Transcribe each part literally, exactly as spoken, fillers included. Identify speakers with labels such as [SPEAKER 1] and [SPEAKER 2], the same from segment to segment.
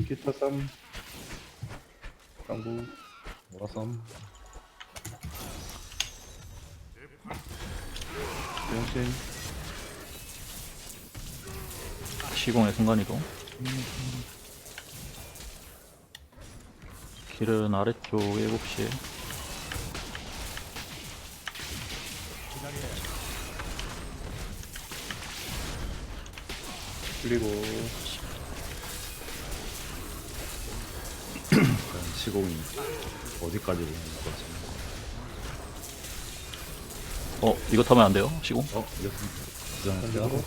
[SPEAKER 1] 기타 쌈 깡부
[SPEAKER 2] 뭐라썸.
[SPEAKER 1] 변신
[SPEAKER 3] 시공의 순간이동. 길은 아래쪽 일곱 시.
[SPEAKER 1] 그리고
[SPEAKER 2] 약간 시공이 어디까지 오는 것 같지?
[SPEAKER 3] 어, 이거 타면 안 돼요? 시공?
[SPEAKER 2] 어? 이겼습니다.
[SPEAKER 1] 던지고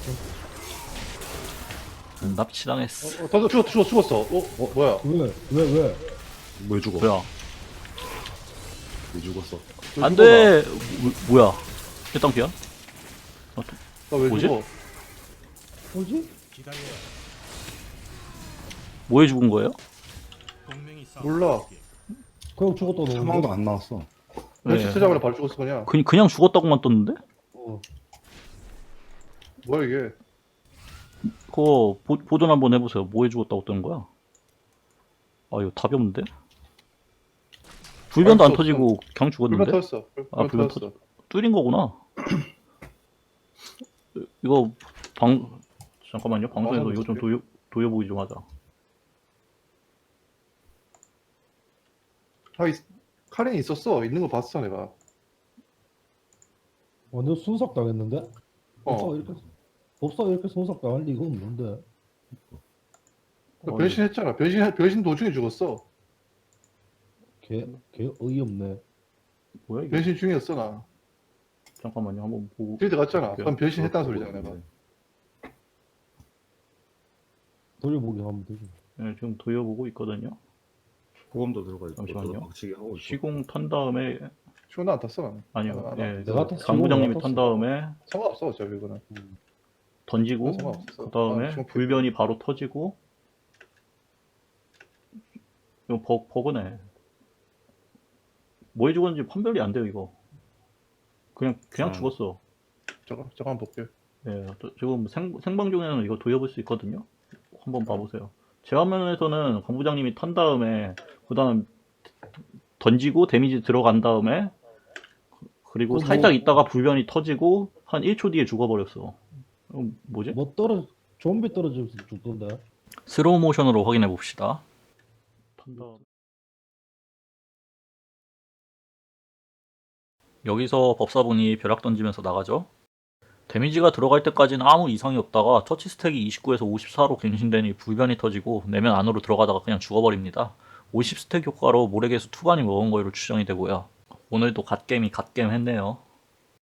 [SPEAKER 3] 음, 납치당했어.
[SPEAKER 1] 어, 어, 던져 죽었, 죽었, 죽었어. 어, 어, 뭐야?
[SPEAKER 4] 왜? 왜? 왜?
[SPEAKER 2] 왜 죽어?
[SPEAKER 3] 뭐야?
[SPEAKER 2] 왜 죽었어?
[SPEAKER 1] 왜
[SPEAKER 3] 안
[SPEAKER 1] 죽어,
[SPEAKER 3] 돼! 뭐, 뭐야? 일단 피야?
[SPEAKER 1] 나 왜
[SPEAKER 3] 뭐지?
[SPEAKER 1] 죽어?
[SPEAKER 4] 뭐지?
[SPEAKER 3] 뭐에 죽은 거예요?
[SPEAKER 1] 몰라.
[SPEAKER 4] 그냥 죽었다 너.
[SPEAKER 2] 사망도 안 나왔어.
[SPEAKER 1] 변신
[SPEAKER 3] 네.
[SPEAKER 1] 찾아보려 바로 죽었어 그냥.
[SPEAKER 3] 그, 그냥 죽었다고만 떴는데?
[SPEAKER 4] 어.
[SPEAKER 1] 뭐야 이게?
[SPEAKER 3] 그거 보, 보존 한번 해보세요. 뭐에 죽었다고 뜨는 거야? 아, 이거 답이 없는데? 불변도 안
[SPEAKER 1] 아,
[SPEAKER 3] 터지고 그냥
[SPEAKER 1] 불만
[SPEAKER 3] 죽었는데?
[SPEAKER 1] 터졌어. 불-
[SPEAKER 3] 아,
[SPEAKER 1] 불만
[SPEAKER 3] 불만
[SPEAKER 1] 터졌어.
[SPEAKER 3] 뚫린 거구나. 이거 방 잠깐만요. 방송에서 이거 좀 도요 도요보기 좀 하자.
[SPEAKER 1] 아, 이, 카렌 있었어. 있는 거 봤어 내가.
[SPEAKER 4] 완전 순삭 당했는데?
[SPEAKER 1] 어.
[SPEAKER 4] 법사가 이렇게 법사가 이렇게 순삭 당할 리가 없는데.
[SPEAKER 1] 그 변신했잖아. 변신 변신 도중에 죽었어.
[SPEAKER 4] 개, 개 어이없네.
[SPEAKER 3] 뭐야 이게?
[SPEAKER 1] 변신 중이었어 나.
[SPEAKER 3] 잠깐만요. 한번 보고.
[SPEAKER 1] 필드 갔잖아.
[SPEAKER 3] 볼게요.
[SPEAKER 1] 그럼 변신했다는 소리잖아 내가.
[SPEAKER 4] 돌려보기 하면 되지.
[SPEAKER 3] 네, 지금 도요보고 있거든요.
[SPEAKER 2] 보험도 들어가 있고
[SPEAKER 3] 잠시만요.
[SPEAKER 2] 박치기 하고 있고.
[SPEAKER 3] 시공 탄 다음에
[SPEAKER 1] 시원 안 탔어 나는.
[SPEAKER 3] 아니요.
[SPEAKER 1] 아, 나-
[SPEAKER 3] 예,
[SPEAKER 4] 내가
[SPEAKER 3] 그
[SPEAKER 4] 탔어.
[SPEAKER 3] 강부장님이
[SPEAKER 4] 내가
[SPEAKER 3] 탄
[SPEAKER 4] 탔어.
[SPEAKER 3] 다음에
[SPEAKER 1] 상관없어 어차피 이거는.
[SPEAKER 3] 던지고
[SPEAKER 1] 상관없어.
[SPEAKER 3] 그 다음에
[SPEAKER 1] 아, 지금
[SPEAKER 3] 불변이 바로 터지고 이거 버, 버그네. 뭐에 죽었는지 판별이 안 돼요 이거. 그냥 그냥
[SPEAKER 2] 아.
[SPEAKER 3] 죽었어.
[SPEAKER 1] 잠깐 잠깐 볼게.
[SPEAKER 3] 예, 또 지금 생, 생방 중에는 이거 돌려볼 수 있거든요. 한번 봐보세요. 제 화면에서는 강 부장님이 탄 다음에 그 다음 던지고 데미지 들어간 다음에 그리고
[SPEAKER 4] 그 뭐-
[SPEAKER 3] 살짝 있다가 불변이 터지고 한 일 초 뒤에 죽어버렸어. 어, 뭐지?
[SPEAKER 4] 뭐 떨어 좀비 떨어져서 죽던데.
[SPEAKER 3] 스로우 모션으로 확인해 봅시다. 탄 다음. 여기서 법사분이 벼락 던지면서 나가죠. 데미지가 들어갈 때까지는 아무 이상이 없다가 터치 스택이 이십구에서 오십사로 갱신되니 불변이 터지고 내면 안으로 들어가다가 그냥 죽어버립니다. 오십 스택 효과로 모래개수 투반이 먹은 거로 추정이 되고요. 오늘도 갓겜이 갓겜 했네요.